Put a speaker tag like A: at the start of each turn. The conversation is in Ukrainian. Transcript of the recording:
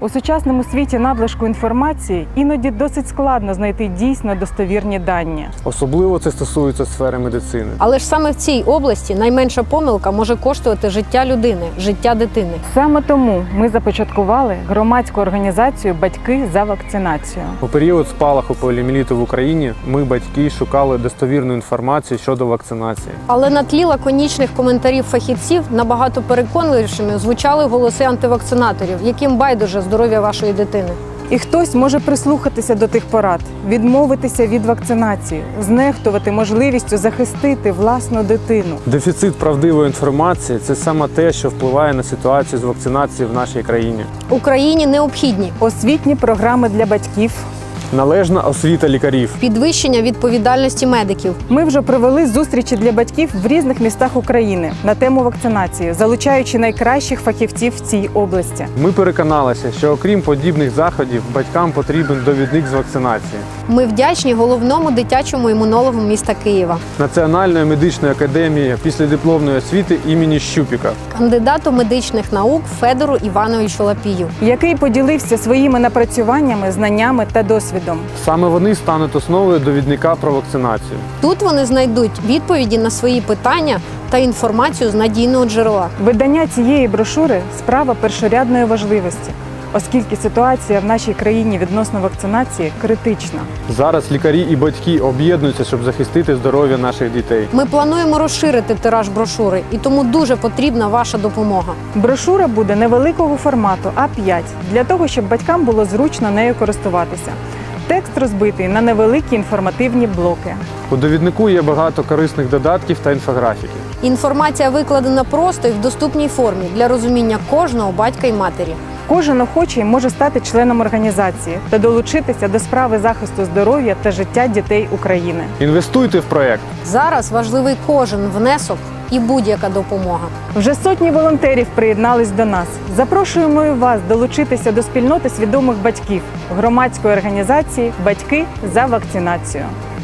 A: У сучасному світі надлишку інформації іноді досить складно знайти дійсно достовірні дані.
B: Особливо це стосується сфери медицини.
C: Але ж саме в цій області найменша помилка може коштувати життя людини, життя дитини.
A: Саме тому ми започаткували громадську організацію «Батьки за вакцинацію».
B: У період спалаху поліомієліту в Україні ми, батьки, шукали достовірну інформацію щодо вакцинації.
C: Але на тлі лаконічних коментарів фахівців набагато переконливішими звучали голоси антивакцинаторів, яким байдуже здоров'я вашої дитини.
A: І хтось може прислухатися до тих порад, відмовитися від вакцинації, знехтувати можливістю захистити власну дитину.
B: Дефіцит правдивої інформації – це саме те, що впливає на ситуацію з вакцинацією в нашій країні.
C: Україні необхідні
A: Освітні програми для батьків.
B: Належна освіта лікарів.
C: підвищення відповідальності медиків,
A: Ми вже провели зустрічі для батьків в різних містах України на тему вакцинації, залучаючи найкращих фахівців в цій області.
B: Ми переконалися, що окрім подібних заходів, батькам потрібен довідник з вакцинації.
C: Ми вдячні головному дитячому імунологу міста Києва,
B: Національної медичної академії післядипломної освіти імені Щупіка.
C: кандидату медичних наук Федору Івановичу Лапію.
A: Який поділився своїми напрацюваннями, знаннями та досвідом.
B: Саме вони стануть основою довідника про вакцинацію.
C: Тут вони знайдуть відповіді на свої питання та інформацію з надійного джерела.
A: Видання цієї брошури – справа першорядної важливості, оскільки ситуація в нашій країні відносно вакцинації критична.
B: Зараз лікарі і батьки об'єднуються, щоб захистити здоров'я наших дітей.
C: Ми плануємо розширити тираж брошури, і тому дуже потрібна ваша допомога.
A: Брошура буде невеликого формату А5, для того, щоб батькам було зручно нею користуватися. Текст розбитий на невеликі інформативні блоки.
B: У довіднику є багато корисних додатків та інфографіки.
C: Інформація викладена просто і в доступній формі для розуміння кожного батька і матері.
A: Кожен охочий може стати членом організації та долучитися до справи захисту здоров'я та життя дітей України.
B: Інвестуйте в проєкт.
C: Зараз важливий кожен внесок і будь-яка допомога.
A: Вже сотні волонтерів приєднались до нас. Запрошуємо і вас долучитися до спільноти свідомих батьків громадської організації «Батьки за вакцинацію».